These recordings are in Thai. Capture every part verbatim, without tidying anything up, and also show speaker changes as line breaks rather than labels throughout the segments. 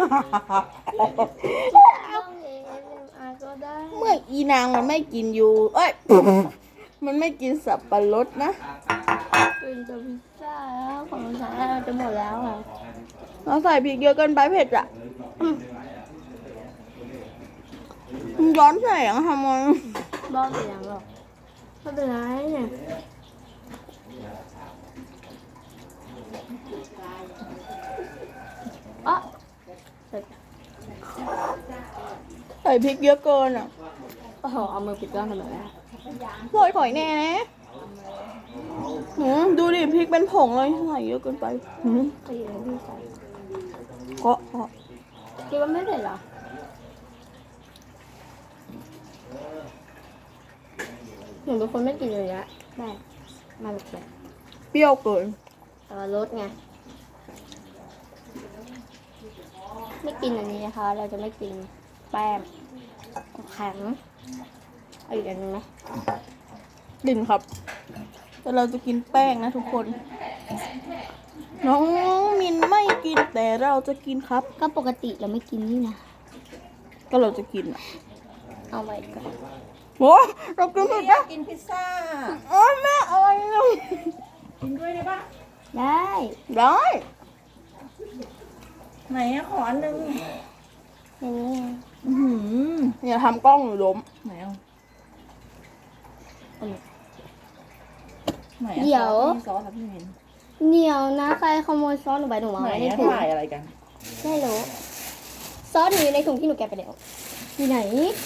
ต้องเอเอ็มอาร์ก็ได้
เมื่ออีนางมันไม่กินอยู่เอ้ย มันไม่กินสับปะรดนะ
กินกับพิซซ่าแล้วของฉันจะหมดแล้วอ่ะ
เราใส่พริกเยอะเกินไปเผ็ดอ่ะมันย้อนแสงทำไม
บ้าเสียงหรอกไม่เป็นไรเนี่ยอ่ะเสร็จ
ใส่พริกเยอะเกินอ่ะ
โอ้โหเอามือปิดกล้องทำไมล่ะ
โวยข่อยแน่นะหืมดูดิพริกเป็นผงเลยใส่เยอะเกินไปหืม
ไปอยู่ในที่ใส่
เคาะเคาะ
คิดว่าไม่เสร็จเหรอหนูเป็นคนไม่กินเลยอะแม่มาแบบแบบ
เปรี้ยวเกิน
แต่ว่ารสไงไม่กินอันนี้นะคะ เราจะไม่กินแป้งแข็งเอาอีกอันนึงไหม
ดิ่นครับ แต่เราจะกินแป้งนะทุกคน น้องมินไม่กินแต่เราจะกินครับ
ก็ปกติเราไม่กินนี่นะ
ก็เราจะกินอ่ะ
เอาไว้ก่อน
โอ้เรากินหมดนะ
กินพิซซ่า
โอ้ยแม่อะไรเนี่ย
กินด้วยได้ปะ
ได้
ได้
ไหนอะขออันนึง
อย่างนี้ไง
อื้อหืออย่าทำกล้องหนูล้ม
ไหนเอา
อืม
ไหนอะ
เดี๋ยว
ซอสอะพี่เมน
เหนียวนะใครขโมยซอสหนูไปหนูเอา
ไหน
ไว้ใน
อะ
ถุง
ถ่ายอะไรกัน
ไม่รู้ซอสหนูอยู่ในถุงที่หนูแกะไปแล้วอยู่ไหน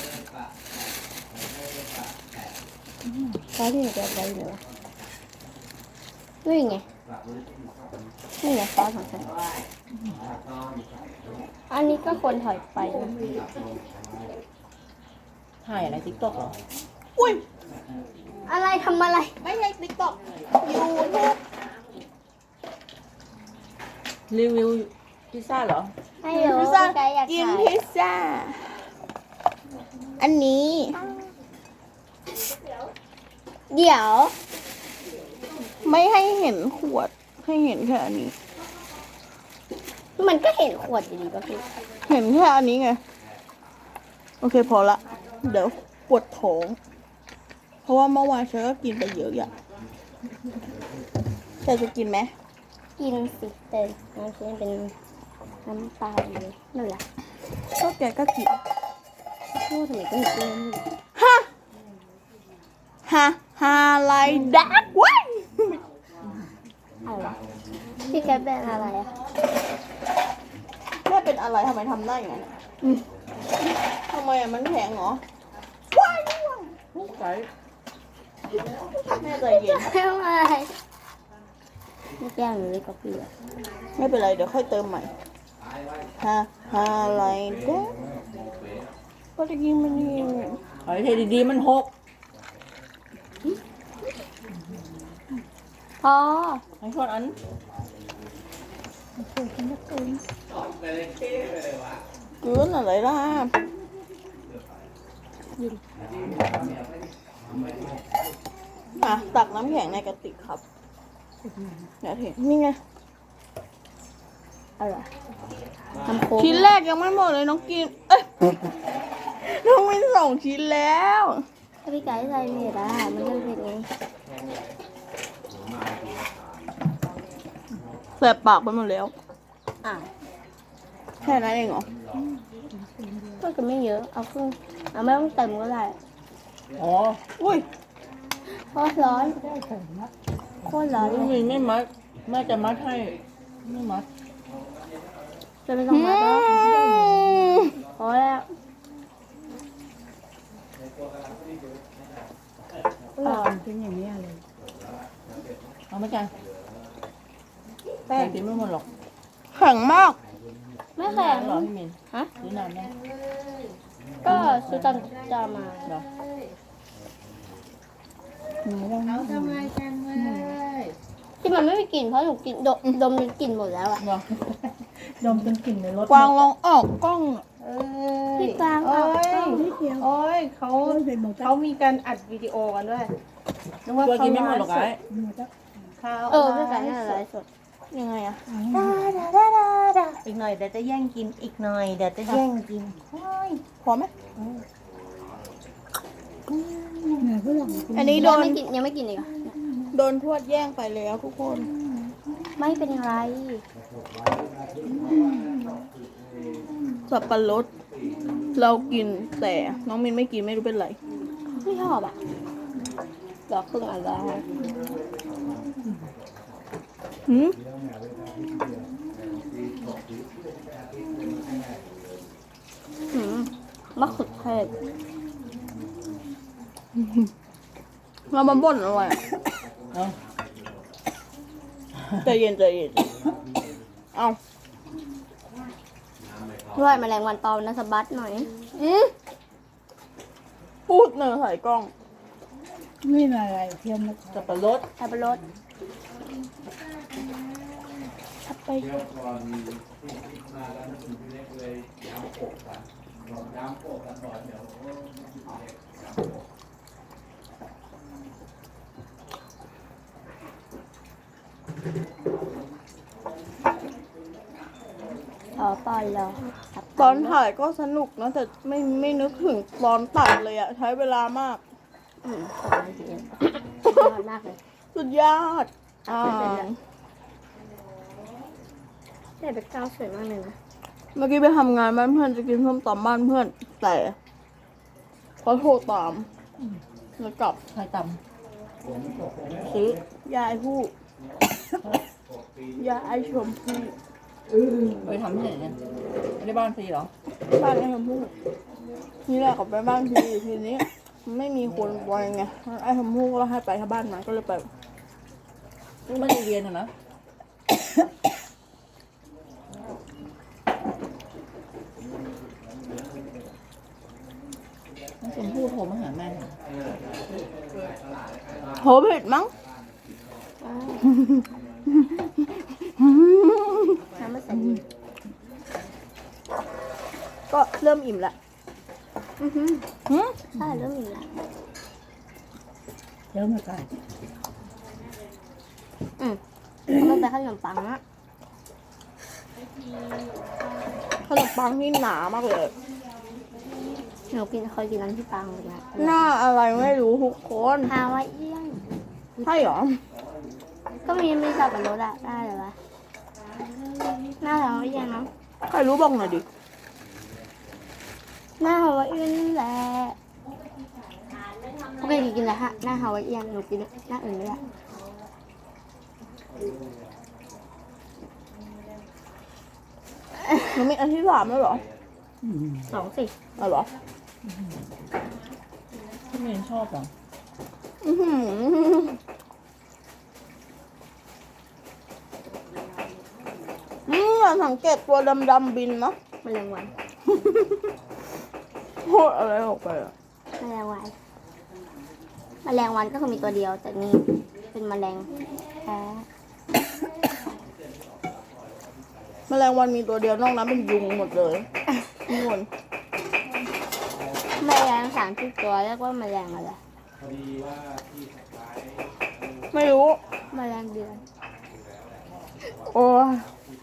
ซอสที่หนูแกะไปอยู่ไหนวะนี่ไงนี่ไงซอสของฉันอันนี้ก็ควรถอยไปนะ
ถ่ายอะไรติ๊กต็อกเหรอ
อุ้ย
อะไรทำอะไร
ไม่ใช่ติ๊กต็อกยูทูบ
รีวิวพิซซ่าเหรอ
ไม่รู้
พิซซ่า
ใครอยาก
กิน
ขาย
พิซซ่า อันนี้
เดี๋ยว
ไม่ให้เห็นขวด ให้เห็นแค่อันนี้
มันก็เห็นขวดอยู่ดีป่ะพี่
เห็นแค่อันนี้ไง โอเคพอละ เดี๋ยวปวดท้อง เพราะว่าเมื่อวานฉันก็กินไปเยอะอย่างแต่จะกินไหม
กินสิแต่น้ำเชื่อเป็นน้ำปลาอยู่นั่นแหละ
ก็แกก็กิน
พูดทำไมก็มีเรื่องนี่
ฮะ ฮะ ฮาไลดักเว้ย
อะไรวะพี่แกเป็นอะไรอะ
แม่เป็นอะไรทำไมทำได้อย่างนั้นอะ
อืม
ทำไมอะมันแข็งเหรอ ว้ายว้าย
ไก่
แม่ใจเย็น
ทำอะไรไม่แก้วหนูเลยก็พี่อะ
ไม่เป็นไร เดี๋ยวค่อยเติมใหม่ ฮะ ฮาไลดักก็จะกินมันนี่
เฮ้ยเทดีๆมันหก
พอ
ไอ้คนอัน
เกินอะไรล่ะอ่ะตักน้ำแข็งในกระติกครับเดี๋ยวเห็นนี่ไง
อะไรทำโค้ง
ชิ้นแรกยังไม่หมดเลยน้องกิน เอ้ย น้องมินส่งชิ้นแล้ว
ถ้าพี่ไก่ใส่เผ็ดอะมันจะเผ็ดไง
แสบปากไปหมดแล้ว
อ่ะ
แค่นั้นเองเหรอ
ก็จะไม่เยอะ เอาครึ่งเอาไม่ต้องเต็มก็ได้
อ๋อ
อุ้ย
เพราะร้อนโคตรร้อนเล
พี่
ย
เมนไม่มัดแม่จะมัดให้ไม่มัด
จะไม่ต้องมาแล้วพอแล้ว
อ่อนเป็นอย่างนี้เลยเอาไหมจ๊ะแป้งกินไม่หมดหรอก
แข็งมาก
ไม่แข็ง
เหรอพี่เมน
ฮะ
หรือนานไหม
ก็ซื้อตอนจะมา
เหรอ
ที่มันไม่มีกลิ่นเพราะหนูกินดมดมจนกลิ่นหมดแล้วอ่ะ
เหรอดมจนกลิ่นในรถ
กวางลองออกกล้องอะ
เอ้ย
พี่กลาง
โอ้
เอา
ยโอ้ยเขาเขามีการอัดวิดีโอกันด้วยนึกว่าเขากินไม่หมดหรอกไอ้เขา
เออพี่ไก่น่าจะไลฟ์สด
ยังไงอะ
ดาดาดาดา
อีกหน่อยเดี๋ยวจะแย่งกินอีกหน่อยเดี๋ยวจะแย่งกินโอ้ย
พอไหม
เหนื่อยเพื่อน
อันนี้โด
ยัง
น
ไม่กินยังไม่กินอีกเหรอ
โดนทวดแย่งไปแล้วทุกคน
ไม่เป็นไร
สับปะรดเรากินแต่น้องมินไม่กินไม่รู้เป็นไร
ไม่ชอบอ่ะดอกครึ่งอันแล้ว
หืม
หืมมะเขือเทศ
เรามาบ่นอะไรอะ
เนาะ
ใจเย็นใจเย็นเอา
ด้วยแมลงวันตอมนะสะบัดหน่อย
อืมพูดเนอใส่กล้อง
นี่อะไรเทียมสับปะรด
สับปะรด
ทับไป
ต่อปอนรอสับ
ตอนถ่ายก็สนุกนะแต่ไม่ไม่นึกถึงตอนตัดเลยอะใช้เวลามาก
อืมสบายดีสุดยอดมากเลย
สุดยอดอ่า
แต่เบคก้าวสวยมากเลยนะ
เมื่อกี้ไปทำงานบ้านเพื่อนจะกินส้มตำบ้านเพื่อน แต่เขาโทรตามแล้วกลับ
ใครต
ซื้อยาไอผู้ ยาไอชมพู่
ำไปทำที่ไหนเนี่ยไม่ได้บ้านฟรีเหรอ
บ้านไอชมพู่นี่แหละกับไปบ้านทีทีนี้ไม่มีคนไปไงไอชมพู่ก็ให้ไปที่บ้านนั้นก็เลยไป
ลูกไม่ได้เรียนอะนะน้องชมพู่โทรมาหาแม่เหรอ
โหผิดมั้ง
น้ำมันใส่ดี
ก็เริ่มอิ่มละ
อือหือ
หืม
ใช่เริ่มมีแล้ว
เริ่มมาไกล
อืมมันเป็นขนมปังอะ
ขนมปังที่หนามากเลย
หนูกินเคยกินน้ำที่ปังเลยนะ
หน้าอะไรไม่รู้ทุกคน
ฮาวายเอียน
ใช่เหรอ
ก็มีมีสับปะรดอะได้เลยวะหน้าฮาวายเอียนเนาะ
ใครรู้บอกหน่อยดิ
หน้าฮาวายเอียนนี่แหละโอเคกินแล้วฮะหน้าฮาวายเอียนหนูกินหน้าอื่นไม่ได้
หนูมีอันที่สามแล้วเหรอ
สองสิ
อ๋อเหรอ
พี่เมนชอบเหรอ
อื้อหืออืมอย่าสังเกตตัวดำๆบินนะ
แมลงวัน
พูดอะไรออกไปอะ
แมลงวันแมลงวันก็คือมีตัวเดียวแต่นี่เป็นแมลงแท้
แมลงวันมีตัวเดียวนอกนั้นเป็นยุงหมดเลยทุกคน
แมลงสามสิบตัวเรียกว่าแมลงอะไร
ไม่รู้
แมลงเดือน
โอ้ย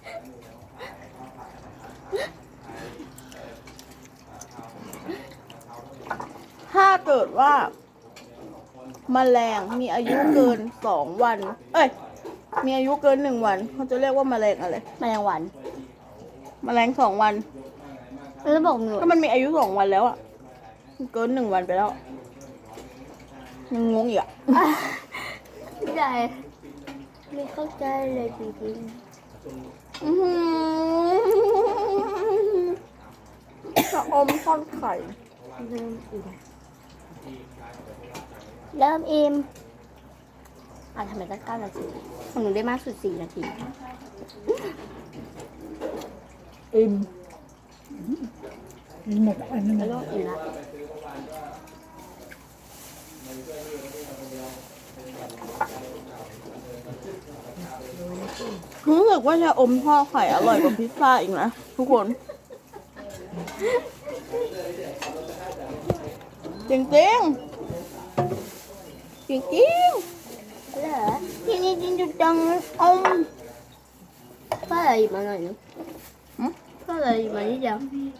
ถ้าเกิดว่าแมลงมีอายุเกินสองวัน เอ้ย มีอายุเกินหนึ่งวันเขาจะเรียกว่าแมลงอะไร
แมลงวัน
แมลงสองวัน
แล้วบอกหนู
ถ้ามันมีอายุสองวันแล้วอะเกินหนึ่งวันไปแล้ว ยังงงอีกอะ
ไม่ได้ไม่เข้าใจเลยจริง
อื้อหือชะอมทอดไข่
ๆเริ่มอิ่มเริ่มอิ่มอ่ะทำไมตั้งเก้านาทีของหนูได้มากสุดสี่นาที
อิ่มอิ่มหมดอันนั้น
แล้วก็อิ่มละ
รู้สึกว่าชะอมทอดไข่อร่อยกว่าพิซซ่าอีกนะทุกคน จริงจริงจริงจริง
เหรอ
ๆที่นี่จริงจังๆอม
ก็เลยหยิบมาหน่อยนึง
หึ
ก็เลยหยิบมานิดเดียว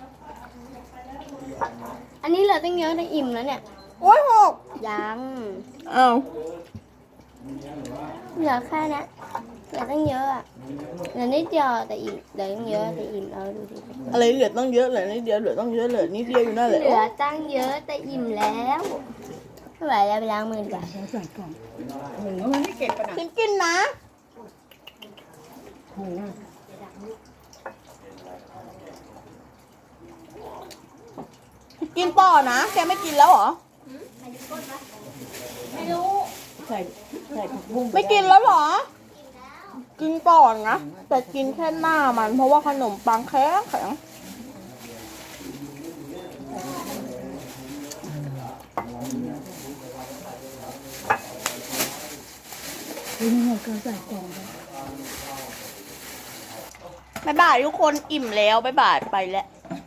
อันนี้เหลือตั้งเยอะตั้งอิ่มแล้วเนี่ย
โอ้ยหก
ยัง
อ้าว
เหลือแค่เนี้ยเหลือตั้งเยอะอะเหลือนิดเดียวแต่อิ่มเหลือตั้งเยอะแต่อิ่มแล้วดูดิ
อะไรเหลือต้องเยอะเหลือนิดเดียวเหลือต้องเยอะเหลือนิดเดียวอยู่นั่นแหละ
เหลือตั้งเยอะแต่อิ่มแล้วไม่ไหวแล้วไปล้างมือดีกว่า
เราใส่กล่องโอ้โหมันไม่เก็บปะนะ
กินกินนะ
โอ้โห
กินต่อนะแกไม่กินแล้วเหรอ
ไม่รู้
ใส่ใส่ผักบุ้ง
ไม่กินแล้วเหรอ กินก่อนนะ แต่กินแค่หน้ามัน เพราะว่าขนมปังแข็งแข็ง
นี่ไงก็ใส่กล่องไป
บ๊ายบายทุกคนอิ่มแล้วบ๊ายบายไปแล้ว